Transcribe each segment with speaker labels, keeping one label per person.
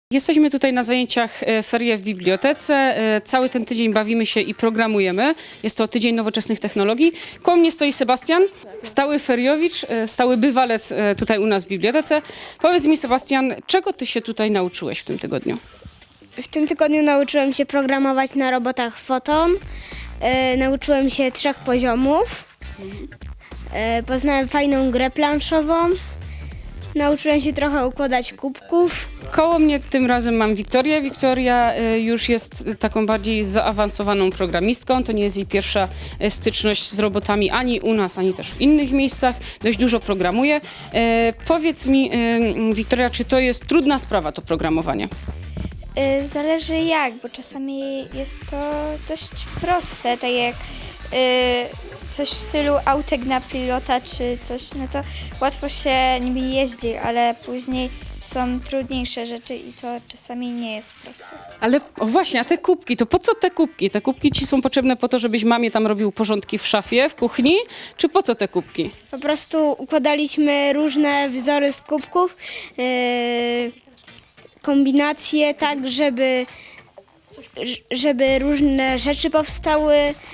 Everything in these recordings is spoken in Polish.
Speaker 1: Jesteśmy tutaj na zajęciach Ferie w bibliotece. Cały ten tydzień bawimy się i programujemy. Jest to tydzień nowoczesnych technologii. Koło mnie stoi Sebastian, stały feriowicz, stały bywalec tutaj u nas w bibliotece. Powiedz mi, Sebastian, czego ty się tutaj nauczyłeś w tym tygodniu?
Speaker 2: W tym tygodniu nauczyłem się programować na robotach Photon. Nauczyłem się 3 poziomów. Poznałem fajną grę planszową. Nauczyłem się trochę układać kubków.
Speaker 1: Koło mnie tym razem mam Wiktorię. Wiktoria już jest taką bardziej zaawansowaną programistką. To nie jest jej pierwsza styczność z robotami ani u nas, ani też w innych miejscach. Dość dużo programuje. Powiedz mi, Wiktoria, czy to jest trudna sprawa, to programowanie?
Speaker 3: Zależy jak, bo czasami jest to dość proste, tak jak coś w stylu autek na pilota czy coś, no to łatwo się niby jeździ, ale później są trudniejsze rzeczy i to czasami nie jest proste.
Speaker 1: Ale o właśnie, a te kubki, to po co te kubki? Te kubki ci są potrzebne po to, żebyś mamie tam robił porządki w szafie, w kuchni? Czy po co te kubki?
Speaker 2: Po prostu układaliśmy różne wzory z kubków, kombinacje tak, żeby różne rzeczy powstały,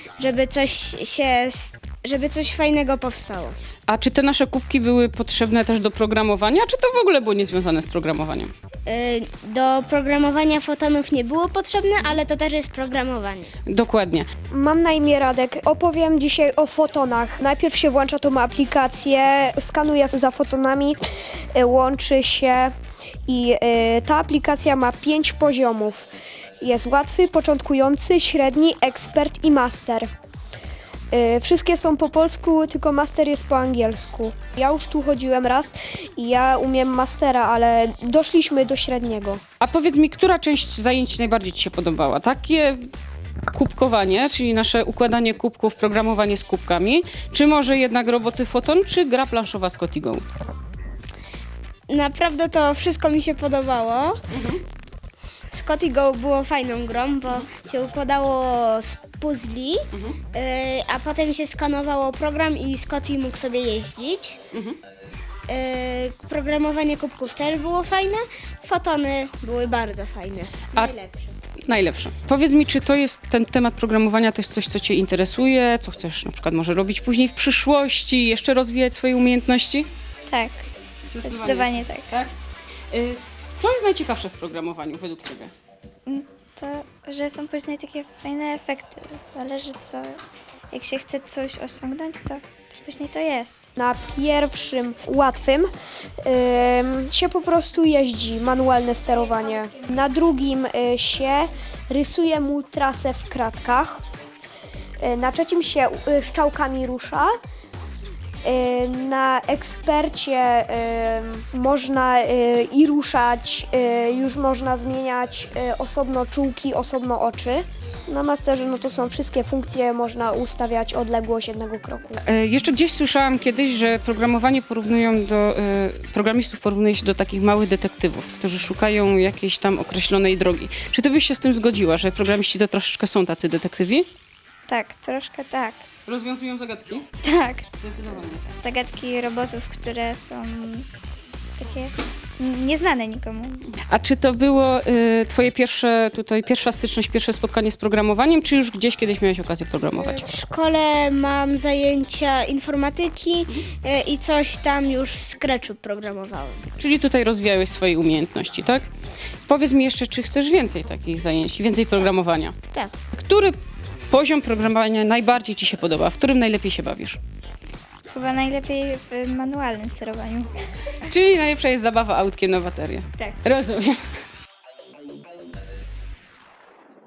Speaker 2: żeby coś fajnego powstało.
Speaker 1: A czy te nasze kubki były potrzebne też do programowania, czy to w ogóle było niezwiązane z programowaniem?
Speaker 2: Do programowania fotonów nie było potrzebne, ale to też jest programowanie.
Speaker 1: Dokładnie.
Speaker 4: Mam na imię Radek. Opowiem dzisiaj o fotonach. Najpierw się włącza tą aplikację, skanuje za fotonami, łączy się i ta aplikacja ma 5 poziomów. Jest łatwy, początkujący, średni, ekspert i master. Wszystkie są po polsku, tylko master jest po angielsku. Ja już tu chodziłem raz i ja umiem mastera, ale doszliśmy do średniego.
Speaker 1: A powiedz mi, która część zajęć najbardziej ci się podobała? Takie kubkowanie, czyli nasze układanie kubków, programowanie z kubkami, czy może jednak roboty Photon, czy gra planszowa Scotty Go?
Speaker 2: Naprawdę to wszystko mi się podobało. Scotty Go było fajną grą, bo się układało z puzli, a potem się skanowało program i Scotty mógł sobie jeździć. Programowanie kubków też było fajne, fotony były bardzo fajne, najlepsze.
Speaker 1: Najlepsze. Powiedz mi, czy to jest ten temat programowania, to jest coś, co cię interesuje, co chcesz na przykład może robić później w przyszłości, jeszcze rozwijać swoje umiejętności?
Speaker 3: Tak, zdecydowanie tak.
Speaker 1: Tak? Co jest najciekawsze w programowaniu według ciebie?
Speaker 3: To, że są później takie fajne efekty. Zależy co, jak się chce coś osiągnąć, to później to jest.
Speaker 4: Na pierwszym, łatwym, się po prostu jeździ, manualne sterowanie. Na drugim się rysuje mu trasę w kratkach. Na trzecim się strzałkami rusza. Na ekspercie można i ruszać, już można zmieniać osobno czułki, osobno oczy. Na masterze no to są wszystkie funkcje, można ustawiać odległość jednego kroku.
Speaker 1: Jeszcze gdzieś słyszałam kiedyś, że programowanie programistów porównuje się do takich małych detektywów, którzy szukają jakiejś tam określonej drogi. Czy ty byś się z tym zgodziła, że programiści to troszeczkę są tacy detektywi?
Speaker 3: Tak, troszkę tak.
Speaker 1: Rozwiązują zagadki?
Speaker 3: Tak,
Speaker 1: Zdecydowanie.
Speaker 3: zagadki robotów, które są takie nieznane nikomu.
Speaker 1: A czy to było twoje pierwsza styczność, pierwsze spotkanie z programowaniem, czy już gdzieś kiedyś miałeś okazję programować?
Speaker 2: W szkole mam zajęcia informatyki i coś tam już w Scratchu programowałem.
Speaker 1: Czyli tutaj rozwijałeś swoje umiejętności, tak? Powiedz mi jeszcze, czy chcesz więcej takich zajęć, więcej programowania?
Speaker 2: Tak.
Speaker 1: Który poziom programowania najbardziej ci się podoba? W którym najlepiej się bawisz?
Speaker 3: Chyba najlepiej w manualnym sterowaniu.
Speaker 1: Czyli najlepsza jest zabawa autkiem na baterię.
Speaker 3: Tak.
Speaker 1: Rozumiem.